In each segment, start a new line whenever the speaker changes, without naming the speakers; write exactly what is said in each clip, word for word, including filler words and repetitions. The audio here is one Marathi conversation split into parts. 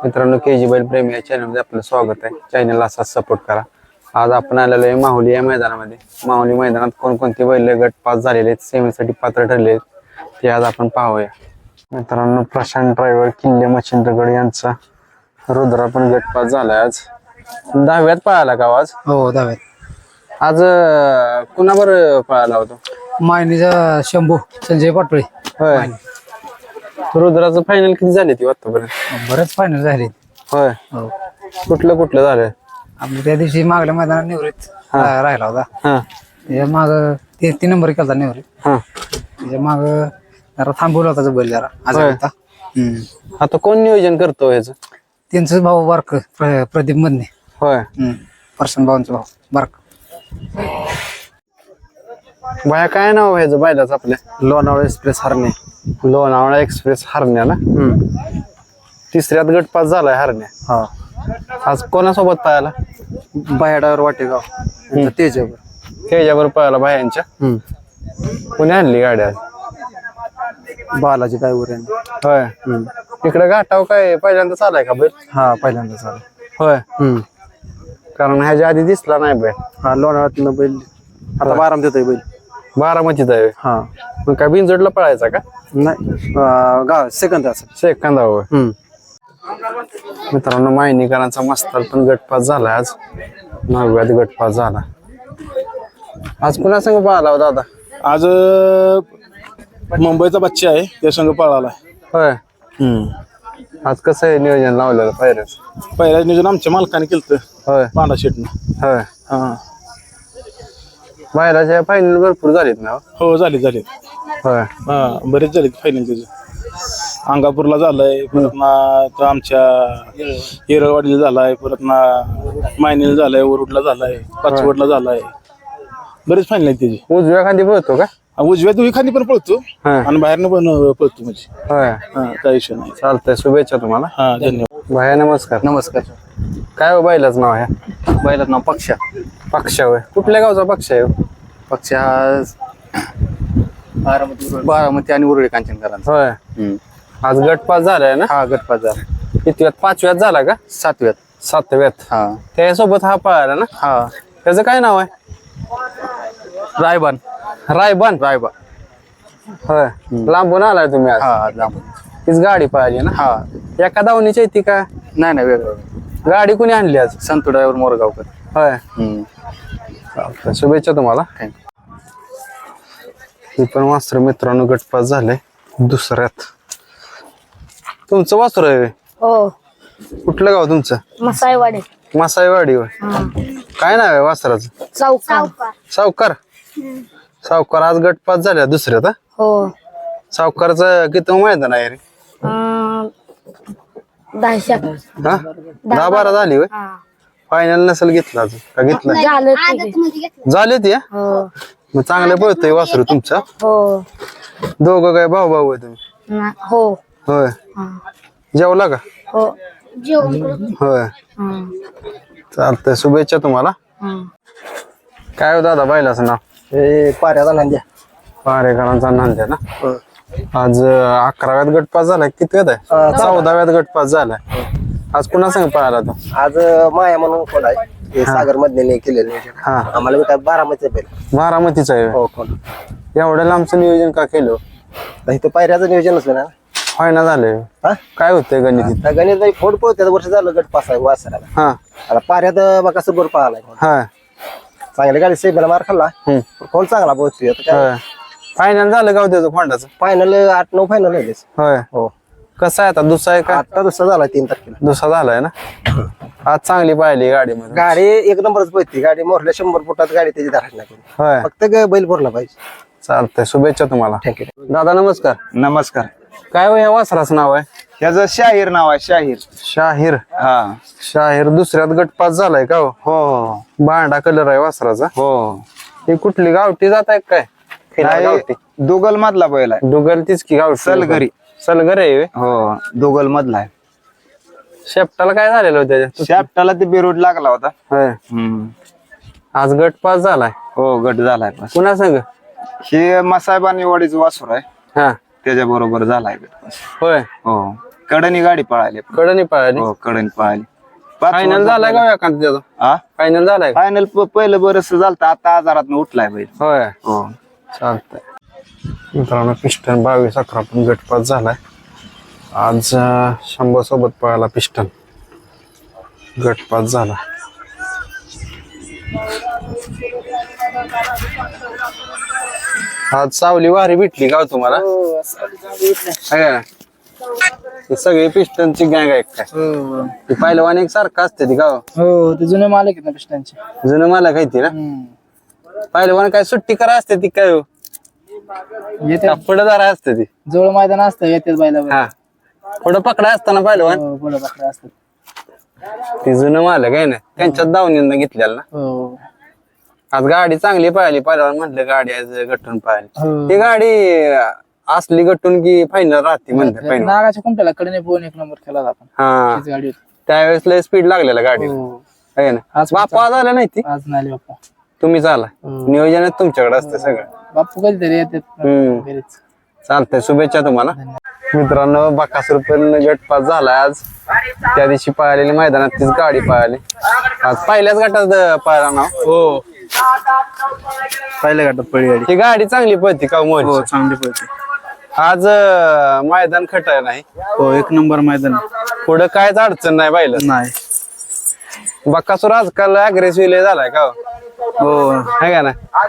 मित्रांनो के जी बैल प्रेमी या चॅनलमध्ये आपलं स्वागत आहे. चॅनलला असाच सपोर्ट करा. आज आपण आलेलो आहे माहुली या मैदानामध्ये. माहुली मैदानात कोणकोणते बैल गट पास झालेले आहेत, सेमीसाठी पात्र ठरले आहेत ते आज आपण पाहूया. मित्रांनो प्रशांत ड्रायव्हर किल्ले मच्छिंद्रगड यांचा रुद्रा पण गट पास झालाय. आज दहाव्यात पळाला का आज?
हो दहाव्यात.
आज कुणाबर पळाला होता?
मायनीचा शंभू संजय पाटोळे.
होय. रुद्राचं फायनल किती झाले ती आतापर्यंत?
बरेच फायनल झाले.
होय.
हो
कुठलं कुठलं झालं?
आपल्या त्या दिवशी मागल्या मैदानात निवृत्त राहिला होता.
हा
त्याच्या माग ते तीन नंबर केला निवृत्त.
हा
त्याच्या माग जरा थांबवला होता बैल जरा आज होता.
आता कोण नियोजन करतो ह्याचं?
त्यांचं भाऊ बारक प्रदीप मधने.
होय.
प्रशांत भाऊंचा भाऊ बारक.
बाया काय नाव ह्याचं बैलाचं आपल्या?
लोणावळा एक्सप्रेस हरणे.
लोणावळा एक्सप्रेस हरण्या ना? तिसऱ्यात गटपास झालाय हरण्या.
हा
आज कोणासोबत पळाला?
बाहेडावर वाटेगाव तेजावर.
त्याच्यावर पळाला बायांच्या. कोणी आणली गाडी आज?
बालाजी ड्रायव्हर यांनी.
होय. इकडे घाटाव काय पहिल्यांदा चालाय का बैल?
हा पहिल्यांदा झालं.
होय. कारण ह्याच्या आधी दिसला नाही बैल.
हा लोणावळ्यातनं बैल आता बाराम देतोय बैल.
बारामतीचा आहे.
हा
मग काय बिनजोडला पळायचा का?
नाही गाव सेकंद
सेकंदा होय. मित्रांनो मायनीकरांचा मस्तार पण गटपास झाला. आज नवव्यात गटपास झाला. आज पुन्हा संघ पळाला हो दादा?
आज मुंबईचा बच्चा आहे त्या संघ पळाला.
होय. आज कसं आहे नियोजन लावलेलं पायऱ्याच?
पहिल्या नियोजन आमच्या मालकाने केलं.
होय.
पांडा शेटनं.
होय.
हा
बायलाच्या फायनल भरपूर झालीत ना?
हो झाले झाले.
होय.
हा बरेच झाले फायनल त्याचे. अंगापूरला झालाय, परत ना तो आमच्या येरळवाडीला झालाय, परत ना मायनीला झालाय, वरुडला झालाय, पाचवडला झालाय. बरेच फायनल आहेत त्याचे.
उजव्या खांदी पळतो का?
उजव्या दुई खांदी पण पळतो
हा.
आणि बाहेरनं पण पळतो म्हणजे.
होय.
हा काही विषय नाही.
चालतंय, शुभेच्छा तुम्हाला.
हा धन्यवाद.
भाया नमस्कार.
नमस्कार.
काय हो बैलाच नाव आहे?
बैलात नाव पक्षा.
पक्षा होय. कुठल्या गावचा पक्ष आहे?
पक्ष हा बारामती बारामती आणि उरळी कांचनकरांचा.
होय. आज गटपास झालाय ना?
हा गटपास झाला.
कितव्यात? पाचव्यात झाला का?
सातव्यात.
सातव्यात.
हा
त्यासोबत हा पळाला ना?
हा
त्याचं काय नाव आहे?
रायबान.
रायबान.
रायबान.
होय. लांबून आलाय तुम्ही आज?
हा लांब.
तीच गाडी पाहिली ना?
हा
एका दावणीची येते का?
नाही नाही वेगळं.
गाडी कुणी आणली आज?
संतू ड्रायव्हर मोरगावकर.
होय. चालतंय, शुभेच्छा तुम्हाला. ही पण वासर मित्रांनो गटपास झाले दुसऱ्यात. तुमचं वासर आहे?
हो.
कुठलं गाव तुमचं?
मसाईवाडी.
मासाईवाडी होय. काय नाव आहे वासराचं?
चौका.
सावकार. सावकार आज गटपास झाल्या दुसऱ्यात.
हो.
सावकारचं किती मैदान आहे रे?
दहाशे.
हा दहा बारा झाली होय. फायनल नसेल घेतला अजून का? घेतला झाले ते.
हो.
मग चांगलं पळतोय वासरू तुमचा.
हो.
दोघं काय भाऊ भाऊ आहे तुम्ही?
ना- हो.
होय. जेवला का?
हो.
होय. चालतंय, शुभेच्छा तुम्हाला. काय हो दादा बैलाचं नाव?
हे पाऱ्याचा नांद्या.
पारेकरांचा नांद्या ना? आज अं, अकराव्यात गटपास झालाय. कितव्यात आहे? चौदाव्यात गटपास झालाय. आज पुन्हा संग पळाला तो?
आज माया म्हणून कोण आहे हे सागर मधने केलेलं नियोजन.
हा.
आम्हाला काय बारामतीचं बैल.
बारामतीचा आहे.
हो कोण
एवढ्या लांबचं नियोजन का केलं?
इथं पायऱ्याचं नियोजन असलं ना.
फायना झालंय.
हा
काय होतंय गणित?
त्या गणित नाही फोड पळत्यात वर्ष झालं गट पास आहे वासराला.
हा
आता पाऱ्यात बघा सुबर पळालाय.
हा
चांगली गाडी सेबेला मार खाल्ला. कोण चांगला पोहोचतोय आता काय.
होय. फायनल झालं का हो त्याचं खोंडाचं?
फायनल आठ नऊ फायनल आहे.
होय.
हो
कसं आहे आता? दुसरा आहे का?
आता दुसरा झाला तीन तारखेला.
दुसरा झालाय ना? आज चांगली पाहिली गाडीमध्ये.
गाडी एक नंबरच पळती. गाडी मोरल्या शंभर फुटात गाडी त्याची धरायची नाही.
होय.
फक्त ग- बैल भरला पाहिजे.
चालतंय, शुभेच्छा तुम्हाला.
थँक्यू.
दादा नमस्कार.
नमस्कार.
काय हो या वासराचं नाव आहे?
ह्याचं शाहीर नाव आहे. शाहीर.
शाहीर.
हा
शाहीर दुसऱ्यात गटपास झालाय का हो?
हो
बांडा कलर आहे वासराचा.
हो.
ही कुठली गावठी जात आहे काय? खिलार गावठी.
दुगल मधला बैल आहे.
डुगल तीच की गावठी.
सलगरी.
सलगर आहे व्हय?
हो दुगल मधला आहे.
शेपटाला काय झालेलं होतं त्याच्या?
शाफ्टाला ते बेरूड लागला होता.
होय.
हम्म.
आज गटपास झालाय.
हो गट झालाय. बस
पुन्हा संग?
हे मसायबानी वाडीचं वासूर आहे.
हा
त्याच्या बरोबर झालाय गट.
होय.
हो कडनी गाडी पळाली
कडनी पळाली
हो कडनी पळाली
फायनल झालाय का एखादा त्याचा
हा
फायनल झालाय का?
फायनल पहिलं बरस झालं आता आजारात उठलाय बैल
होय
हो
चालतंय मित्रांनो पिस्टन बावीस अकरा पण गटपात झालाय आज अं, शंभर सोबत पळाला पिस्टन गटपात झाला आज सावली वारी भेटली का हो तुम्हाला आहे का? ही सगळी पिस्टनची गँग आहे काय ती पहिलवान एक सारखं असते ती गाव
हो ते जुने मालक आहेत ना पिस्टनचे
जुनं मला काय ती ना पहिलवान काय सुट्टी करा असते ती काय हो
येते
पुढे असते ती
जवळ मैदान असतं येतेच बायला
हा पुढं पकडा असताना पहिलवान
पुढे पकडा असतात
ती जुनं मालक आहे ना त्यांच्याच दावणीनं घेतलेलं ना
हो
आज गाडी चांगली पाहिली पहिलवान म्हटलं गाडी आज गटून पाहिली
हो.
ती गाडी अं, असली गटून की फायनल राहते म्हणते पहिलं
नागाच्या कुंपल्याला कडे पोहून एक नंबर केला होता आपण
हा
तीच गाडी होती
त्यावेळेस लय स्पीड लागलेला गाडी
हो.
आहे ना
आज
बापू आज आला नाही ती
आज नाही बाप्पा
तुम्ही चाला
हो.
नियोजन तुमच्याकडे असतं सगळं
बाप्पू कधीतरी येतात
हम्म.
घरीच
चालतंय शुभेच्छा तुम्हाला मित्रांनो बकासूर पण गटपास झाला आज त्या दिवशी पळालेली मैदानात तीच गाडी पळाली आज पहिल्याच गटात पळाला ना
हो पहिल्या गटात पळी गाडी
ही गाडी चांगली पळती का मोल
हो चांगली पळते
आज अं, मैदान खटाय नाही
हो एक नंबर मैदान
पुढं कायच अडचण नाही पाहिलं
नाही
बकासूर आजकाल अग्रेसिव्ह झालाय का
हो
आहे का ना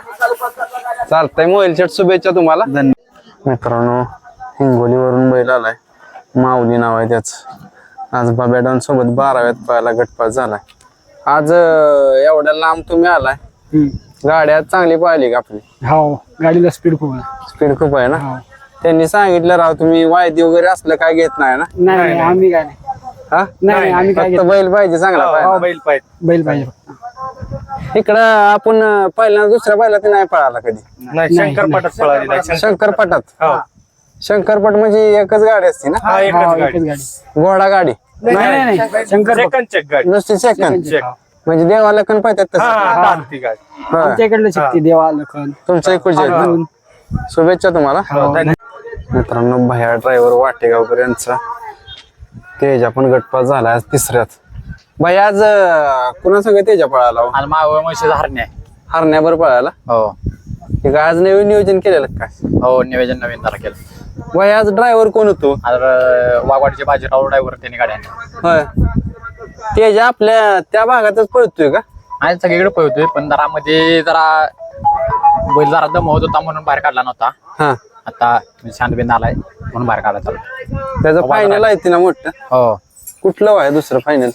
चालतंय मोबाईल शेट शुभेच्छा तुम्हाला
धन्यवाद
मित्रांनो हिंगोलीवरून बैल आलाय माऊली नाव आहे त्याच आज बाब्याडॉन सोबत बाराव्यात पाहायला गटपास झालाय आज अं, एवढ्या लांब तुम्ही आलाय गाड्या चांगली पाहिली का आपली
हो गाडीला स्पीड खूप आहे
स्पीड खूप आहे ना त्यांनी सांगितलं राव तुम्ही वायदी वगैरे असलं काय घेत नाही ना
नाही आम्ही काय नाही
हा
नाही आम्ही काय
फक्त बैल पाहिजे चांगला पाहिजे
बैल पाहिजे
बैल पाहिजे
इकडं आपण अं, पहिल्यांदा दुसऱ्या बैला ते नाही पळाला कधी
नाही शंकरपाटात पळाली नाही
शंकरपटात
हो
शंकरपट म्हणजे एकच गाडी असते ना
हा एकच
एकच
गाडी
गाडी
घोडा गाडी
नाही नाही शंकर
सेकंड चेक गाडी
नुसती सेकंद
चेक
म्हणजे देवाला कण पाहतात तसं
हा ती गाडी
होय.
आमच्याकडलं शक्ती देवा लखन
तुमचं इकडचे आहेत ना? शुभेच्छा तुम्हाला मित्रांनो भया ड्रायव्हर वाटेगावकर यांचा तेजा पण गटपास झाला आज तिसऱ्यात भया आज अं, कुणा सगळं तेजा पळाला हो?
आणि मावळ म्हशी हरणे
हरण्यावर पळाला
हो
हे काय आज नवीन नियोजन केलेलं काय
हो नियोजन नवीन जरा केलं
भया आज ड्रायव्हर कोण होतो
आता वाघवाडीचे बाजीराव ड्रायव्हर त्यांनी गाड्या आणल्या.
होय तेजा आपल्या त्या भागातच पळतोय का
आणि सगळीकडे पळतोय पण जरा मध्ये जरा बैल जरा दमवत होता म्हणून बाहेर काढला नव्हता
हा
आता शांतबिंद आलाय म्हणून बाहेर काढला चालू
त्याचं फायनल आहे ना मोठं
हो
कुठलं आहे दुसरं फायनल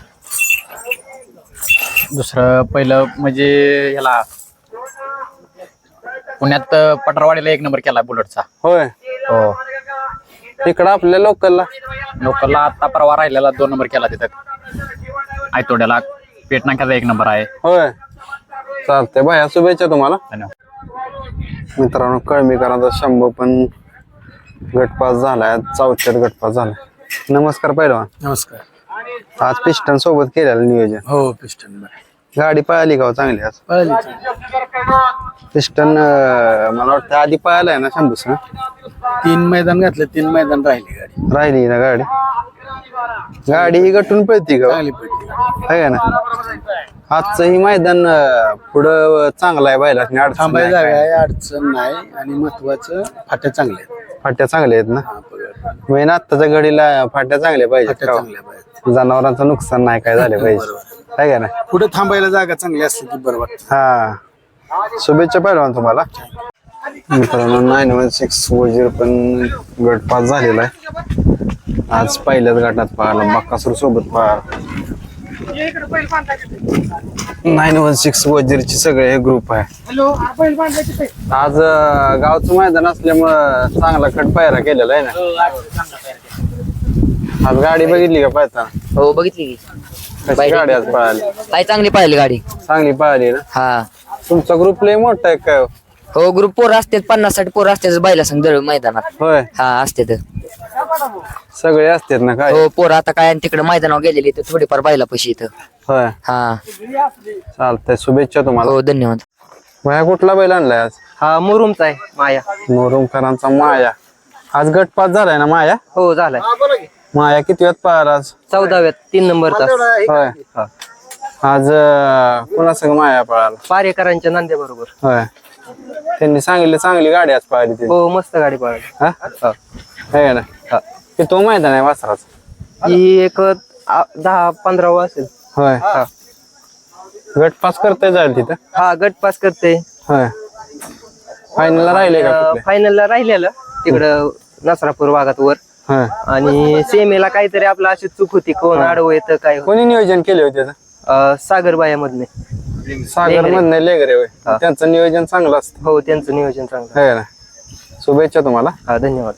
दुसरं पहिलं म्हणजे ह्याला पुण्यात पटरवाडीला एक नंबर केला बुलेटचा
होय
हो
इकडं आपल्या लोकलला
लोकलला आता परवा राहिलेला दोन नंबर केला तिथं आयतोड्याला पेट नाक्याचा एक नंबर आहे
होय चालतंय भया शुभेच्छा तुम्हाला
धन्यवाद
मित्रांनो कळमीकरांचा शंभर पण गटपास झालाय आज चौथ्यात गटपास झालाय नमस्कार पहिलवान
नमस्कार
आज पिस्टन सोबत केलेलं नियोजन
हो पिस्टन
गाडी पळाली का हो चांगली आज पिस्टन मला वाटतं आधी पळायला आहे ना शंभूस
तीन मैदान घातले तीन मैदान राहिले गाडी
राहिली ना गाडी गाडी ही गटून पळती का हो?
चांगली पडली
आहे का ना आजचं ही मैदान अं, पुढं चांगलं आहे बायला
थांबायला जागा आहे अडचण नाही आणि महत्वाचं फाट्या चांगल्या आहेत
फाट्या चांगल्या आहेत ना
हा, बघा.
मेन आत्ताच्या घडीला फाट्या चांगल्या पाहिजेत
फाट्या
का हो?
चांगल्या पाहिजेत
जनावरांचं नुकसान नाही काय झाले पाहिजे आहे का ना
पुढे थांबायला जागा चांगली असली की बरं वाटतं
हा शुभेच्छा पहिलवान तुम्हाला मित्रांनो nine one six four zero पण गट पास झालेला आहे आज पहिल्याच गटात पाहिला बक्कासूर सोबत पाहिला नाईन वन सिक्स वजीरचे सगळे हे ग्रुप आहे आज अं, गावचं मैदान असल्यामुळं चांगला खट पायरा केलेला आहे ना आज गाडी बघितली का पाहताना
हो बघितली की
कशी गाडी आज पळाली
काय चांगली पाहिली गाडी
चांगली पळाली ना
हा
तुमचा ग्रुप लय मोठा आहे काय हो?
हो ग्रुप पोर असतात पन्नास साठ पोर असतात बायला संग दळ मैदानात
होय
हा असतात
सगळे असतात ना काय
हो पोर आता काय तिकडे मैदानावर गेलेली तर थोडीफार बायला पैसे इथं
होय
हा
चालतंय शुभेच्छा तुम्हाला
हो धन्यवाद
माया कुठला बैल आणलाय आज
हा मुरुमचा आहे माया
मोरुमकरांचा माया आज गटपास झालाय ना माया
हो झालाय
माया किती वेळात पळाला आज?
चौदाव्यात तीन नंबर तास
होय आज अं, कोणासंग माया पळाला?
पारेकरांच्या नांद्या बरोबर.
होय त्यांनी सांगितलं चांगली गाडी आज पळाली ती.
हो मस्त गाडी पळाली.
हा आहे ना ते तो मैदान आहे वासराच.
ही एक आ, दहा पंधरा असेल.
होय गट पास करता जाईल तिथं.
हा गट पास करते.
होय फायनलला राहिले का कुठले?
फायनलला राहिलेलं तिकडं नसरापूर भागात वर.
होय
आणि सेमीला काहीतरी आपलं अशी चूक होती, कोण आडवं येतं काय.
कोणी नियोजन केले होते त्याचं?
सागरबाया मधले.
सागर मधने लेगरे होय त्यांचं नियोजन चांगलं असतं.
हो त्यांचं नियोजन चांगलं.
आहे ना शुभेच्छा तुम्हाला.
हा धन्यवाद.